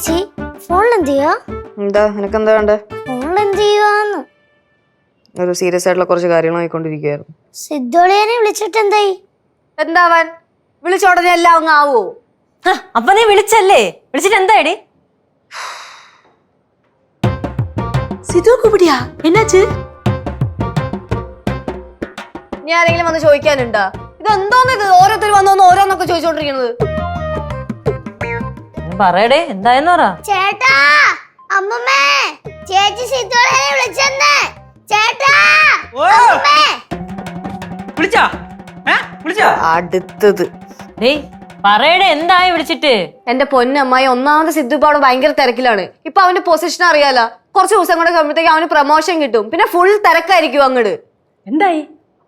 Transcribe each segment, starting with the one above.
ചേച്ചി ഫോണിൽ എന്ത് ചെയ്യാ? എന്താ നിനക്കെന്താ വേണ്ടേ? ഫോണിൽ എന്ത് ചെയ്യുവാന്ന്? ഒരു സീരിയസ് ആയിട്ടുള്ള കുറച്ച് കാര്യങ്ങൾ ആയിക്കൊണ്ടിരിക്കുകയായിരുന്നു. സിദ്ധോളിയനെ വിളിച്ചിട്ട് എന്തായി? എന്താവാൻ? വിളിച്ചോടനെ എല്ലാം അങ്ങ് ആവോ? അപ്പൊ നീ വിളിച്ചല്ലേ? വിളിച്ചിട്ട് എന്തായടി? സിധു കൂടിയാ എന്നാച്ച്? നീ ആരെങ്കിലും വന്ന് ചോദിക്കാനുണ്ടാ? ഇതെന്തോന്ന് ഇത്? ഓരോരുത്തർ വന്നോന്ന് ഓരോന്നൊക്കെ ചോദിച്ചോണ്ടിരിക്കുന്നത്. പറയടേ, എന്തായെന്ന് പറ. ചേട്ടാ, അമ്മമ്മേ, ചേച്ചി സിദ്ധോളിയനെ വിളിച്ചെന്ന്. ചേട്ടാ, അമ്മമ്മേ. അടുത്തത് പറയടേ, എന്തായി വിളിച്ചിട്ട്? എന്റെ പൊന്നമ്മായി, ഒന്നാമത് സിദ്ധു ഇപ്പൊ അവിടെ ഭയങ്കര തിരക്കിലാണ്. ഇപ്പൊ അവന്റെ പൊസിഷൻ അറിയാല. കുറച്ച് ദിവസം കൂടെ കഴിയുമ്പോഴത്തേക്ക് അവന് പ്രൊമോഷൻ കിട്ടും. പിന്നെ ഫുൾ തിരക്കായിരിക്കും അങ്ങട്. എന്തായി?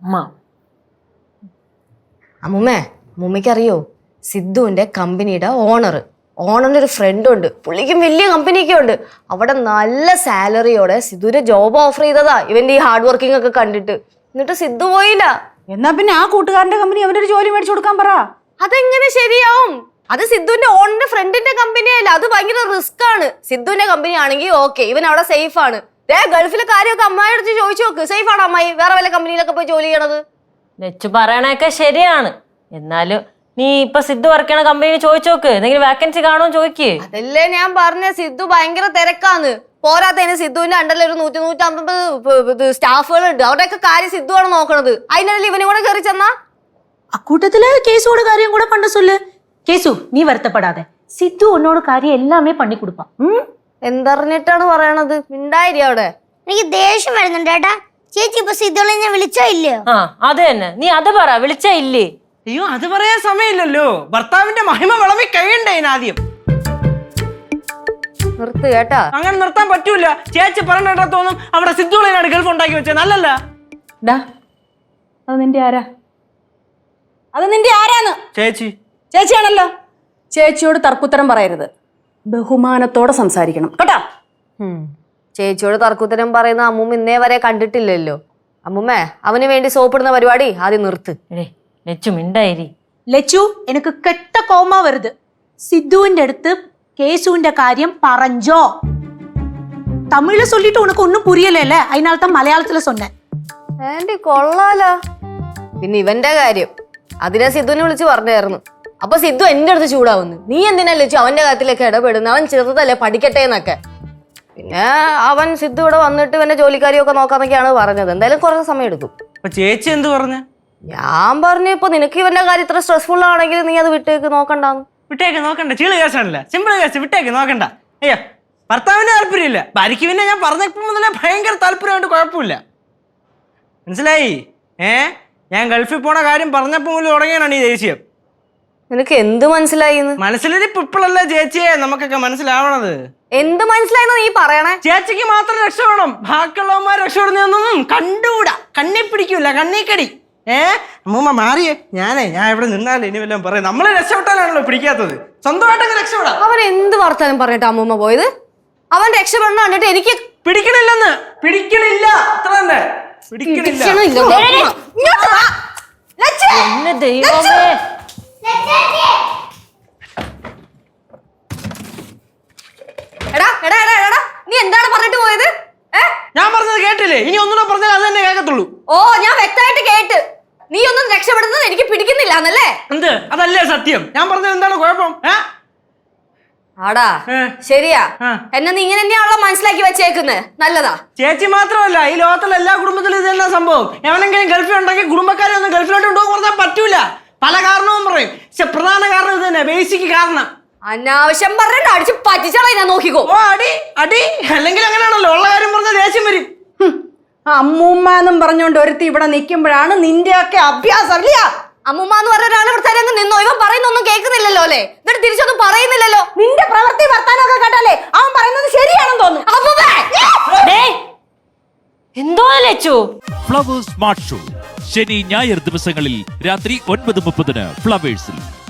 അമ്മുമ്മേ, അമ്മുമ്മയ്ക്കറിയോ സിദ്ധുവിന്റെ കമ്പനിയുടെ ഓണറിന്റെ ഒരു ഫ്രണ്ട് ഉണ്ട്. പുള്ളിക്കും വലിയ കമ്പനിയൊക്കെ ഉണ്ട്. അവിടെ നല്ല സാലറിയോടെ സിദ്ധുവിന്റെ ജോബ് ഓഫർ ചെയ്തതാ, ഇവന്റെ ഈ ഹാർഡ് വർക്കിംഗ് ഒക്കെ കണ്ടിട്ട്. എന്നിട്ട് സിദ്ധു പോയില്ല. എന്നാ പിന്നെ ആ കൂട്ടുകാരന്റെ കമ്പനി അവനൊരു ജോലി മേടിച്ചു കൊടുക്കാൻ പറ. അതെങ്ങനെ ശരിയാവും? അത് സിദ്ധുവിന്റെ ഓണിന്റെ ഫ്രണ്ടിന്റെ കമ്പനിയല്ല, അത് ഭയങ്കര റിസ്ക് ആണ്. സിദ്ധുവിന്റെ കമ്പനി ആണെങ്കിൽ ഓക്കെ, ഇവൻ അവിടെ സേഫ് ആണ്. ഗൾഫിലെ കാര്യമൊക്കെ അമ്മായി അടുത്ത് ചോദിച്ചു നോക്ക്. സേഫ് ആണോ അമ്മായി വേറെ വല്ല കമ്പനിയിലൊക്കെ പോയി ജോലി ചെയ്യണത്? ലച്ചു പറയണൊക്കെ ശരിയാണ്. എന്നാലും നീ ഇപ്പൊ സിദ്ധു വർക്ക് ചെയ്യണ കമ്പനി ചോദിച്ചു നോക്ക്, എന്തെങ്കിലും വാക്കൻസി കാണുമോ ചോദിക്കേ. അതല്ലേ ഞാൻ പറഞ്ഞ, സിദ്ധു ഭയങ്കര തിരക്കാന്ന്. പോരാത്തതിന് സിദ്ധുവിന്റെ അണ്ടറിൽ ഒരു 100-150 സ്റ്റാഫുകളുണ്ട്. അവരുടെയൊക്കെ കാര്യം സിദ്ധു ആണ് നോക്കണത്. അതിനിടയിൽ ഇവനും കൂടെ കയറി ചെന്നാ அக்கூட்டத்துல கேசுவோட காரியம் கூட பண்ண சொல்லு. கேசு, நீ வருத்தப்படாத. சித்து உன்னோட காரியம் எல்லாமே பண்ணி கொடுப்பான். എന്തറിഞ്ഞിട്ടാണ് പറയണത്? മിണ്ടായിരി അവിടെ. എനിക്ക് ദേഷ്യം വരുന്നുണ്ട് ചേട്ടാ. ചേച്ചി ഇപ്പൊ സിദ്ധോളിനെ വിളിച്ചോ ഇല്ലയോ? ആ അത് തന്നെ, നീ അത് പറ. വിളിച്ചാ ഇല്ലേ? അയ്യോ, അത് പറയാൻ സമയമില്ലല്ലോ. ഭർത്താവിന്റെ മഹിമ വിളവി കഴിയണ്ടേ ആദ്യം. നിർത്ത് കേട്ടാ. അങ്ങനെ നിർത്താൻ പറ്റൂല. ചേച്ചി പറഞ്ഞിട്ടാ തോന്നും അവിടെ സിദ്ധുളിനാണ് ഗൾഫ് ഉണ്ടാക്കി വെച്ചത്. നല്ലല്ല. അത് നിന്റെ ആരാ? അത് നിന്റെ ആരാന്ന്? ചേച്ചി. ചേച്ചിയാണല്ലോ. ചേച്ചിയോട് തർക്കുത്തരം പറയരുത്, ബഹുമാനത്തോടെ സംസാരിക്കണം കേട്ടാ. ചേച്ചിയോട് തർക്കുത്തരം പറയുന്ന അമ്മൂമ്മ ഇന്നേ വരെ കണ്ടിട്ടില്ലല്ലോ. അമ്മൂമ്മേ, അവന് വേണ്ടി സോപ്പിടുന്ന പരിപാടി ആദ്യം നിർത്ത്. ലച്ചു മിണ്ടായിരി. ലച്ചു, എനിക്ക് കെട്ട കോമ വരുത്. സിദ്ധുവിന്റെ അടുത്ത് കേസുവിന്റെ കാര്യം പറഞ്ഞോ? തമിഴില് சொல்லிட்டு உனக்கு ഒന്നും പുരിയല്ലേ? അതിനാൽത്ത മലയാളത്തില് சொன்னேன். ആന്റി കൊള്ളാലോ. പിന്നെ ഇവന്റെ കാര്യം അതിനെ സിദ്ധുവിനെ വിളിച്ച് പറഞ്ഞായിരുന്നു. അപ്പൊ സിദ്ധു എന്റെ അടുത്ത് ചൂടാവുന്നു. നീ എന്തിനല്ലേ അവന്റെ കാര്യത്തിലൊക്കെ ഇടപെടുന്നു? അവൻ ചെറുതല്ലേ, പഠിക്കട്ടെ എന്നൊക്കെ. പിന്നെ അവൻ സിദ്ധു ഇവിടെ വന്നിട്ട് ഇവന്റെ ജോലിക്കാരിയൊക്കെ നോക്കാന്നൊക്കെയാണ് പറഞ്ഞത്. എന്തായാലും കുറച്ച് സമയം എടുക്കും. ചേച്ചി എന്ത് പറഞ്ഞ? ഞാൻ പറഞ്ഞു, ഇപ്പൊ നിനക്ക് ഇവന്റെ കാര്യം ഇത്ര സ്ട്രെസ്ഫുൾ ആണെങ്കിൽ നീ അത് വിട്ടേക്ക്, നോക്കണ്ടാന്ന്. വിട്ടേക്ക് നോക്കണ്ട. ചീള് കേസാണല്ല, സിമ്പിൾ കേസ്. വിട്ടേക്ക് നോക്കണ്ട. അയ്യോ, ഭർത്താവിന് താല്പര്യമില്ല. ഭാര്യയ്ക്ക് പിന്നെ ഞാൻ പറഞ്ഞപ്പോ മുതലേ ഭയങ്കര താല്പര്യമായിട്ട് കുഴപ്പമില്ല. മനസ്സിലായി? ഞാൻ ഗൾഫിൽ പോണ കാര്യം പറഞ്ഞപ്പോ മുതൽ തുടങ്ങിയാണ് ഈ ദേഷ്യം. നിനക്ക് എന്ത് മനസ്സിലായി? മനസ്സിലിരിപ്പ് ഇപ്പോഴല്ലേ ചേച്ചിയെ നമുക്കൊക്കെ മനസ്സിലാവണത്. എന്ത് മനസ്സിലായെന്ന് നീ പറയണേ? ചേച്ചിക്ക് മാത്രം രക്ഷപ്പെടണം, ബാക്കിയുള്ളവന്മാർ രക്ഷപ്പെടുന്നൊന്നും കണ്ടുകൂടാ. കണ്ണി പിടിക്കൂല, കണ്ണിക്കടി. അമ്മൂമ്മ മാറിയേ. ഞാൻ ഇവിടെ നിന്നാലേ ഇനി വല്ലതും പറയാം. നമ്മളെ രക്ഷപ്പെട്ടാലാണല്ലോ പിടിക്കാത്തത്. സ്വന്തമായിട്ടൊക്കെ രക്ഷപ്പെടാം. അവൻ എന്ത് വർത്താനം പറഞ്ഞിട്ട് അമ്മൂമ്മ പോയത്? അവൻ രക്ഷപ്പെടണം കണ്ടിട്ട് എനിക്ക് പിടിക്കണില്ലെന്ന്. പിടിക്കണില്ല, അത്ര തന്നെ. പിടിക്കണില്ല. ദൈവമേ, എടാ എടാ എടാ എടാ, നീ എന്താണ് പറഞ്ഞിട്ട് പോയത്? ഞാൻ പറഞ്ഞത് കേട്ടില്ലേ? ഇനി ഒന്നുകൂടെ പറഞ്ഞാൽ അത് തന്നെ കേൾക്കത്തുള്ളൂ. ഓ, ഞാൻ വ്യക്തമായിട്ട് കേട്ട്. നീ ഒന്നും രക്ഷപ്പെടുന്നത് എനിക്ക് പിടിക്കുന്നില്ല എന്നല്ലേ? എന്ത്? അതല്ലേ സത്യം. ഞാൻ പറഞ്ഞത് എന്താണ് കുഴപ്പം? ആടാ ശരിയാ. എന്നെ നീ ഇങ്ങനെ തന്നെയാണല്ലോ മനസ്സിലാക്കി വെച്ചേക്കുന്നത്. നല്ലതാ. ചേച്ചി മാത്രമല്ല, ഈ ലോകത്തിലെ എല്ലാ കുടുംബത്തിലും ഇത് തന്നെ സംഭവം. എവനെങ്കിലും ഗൾഫിൽ ഉണ്ടെങ്കിൽ കുടുംബക്കാരെ ഒന്നും ഗൾഫിലോട്ട് കൊണ്ടുപോകാൻ പറഞ്ഞാൽ പറ്റൂല. പല കാരണവും പറയും. പക്ഷെ പ്രധാന കാരണം ഇത് തന്നെ, ബേസിക് കാരണം. അനാവശ്യം പറഞ്ഞിട്ട് അടിച്ച് പറ്റിച്ചാളെ ഞാൻ നോക്കിക്കോ. ഓ, അടി അടി. അല്ലെങ്കിൽ അങ്ങനെയാണല്ലോ, ഉള്ള കാര്യം പറഞ്ഞ ദേഷ്യം വരും. അമ്മൂമ്മ എന്നും പറഞ്ഞോണ്ട് ഒരുത്തി ഇവിടെ നിൽക്കുമ്പോഴാണ് നിന്റെയൊക്കെ അഭ്യാസം. ഇല്ല, അമ്മൂമ്മ എന്ന് പറഞ്ഞ ഒരാൾ ഇവിടെ തന്നെ നിന്നോ? ഇവൻ പറയുന്നൊന്നും കേൾക്കുന്നില്ലല്ലോ അല്ലേ? എന്നിട്ട് തിരിച്ചൊന്നും പറയുന്നില്ലല്ലോ. നിന്റെ പ്രവൃത്തി വർത്താനൊക്കെ കേട്ടാലേ അവൻ പറയുന്നത് ശരിയാണെന്ന് തോന്നുന്നു. എന്തോ ലച്ചു. ഫ്ലവേഴ്സ് സ്മാർട്ട് ഷോ ശനി ഞായർ ദിവസങ്ങളിൽ രാത്രി 9:30 ഫ്ലവേഴ്സിൽ.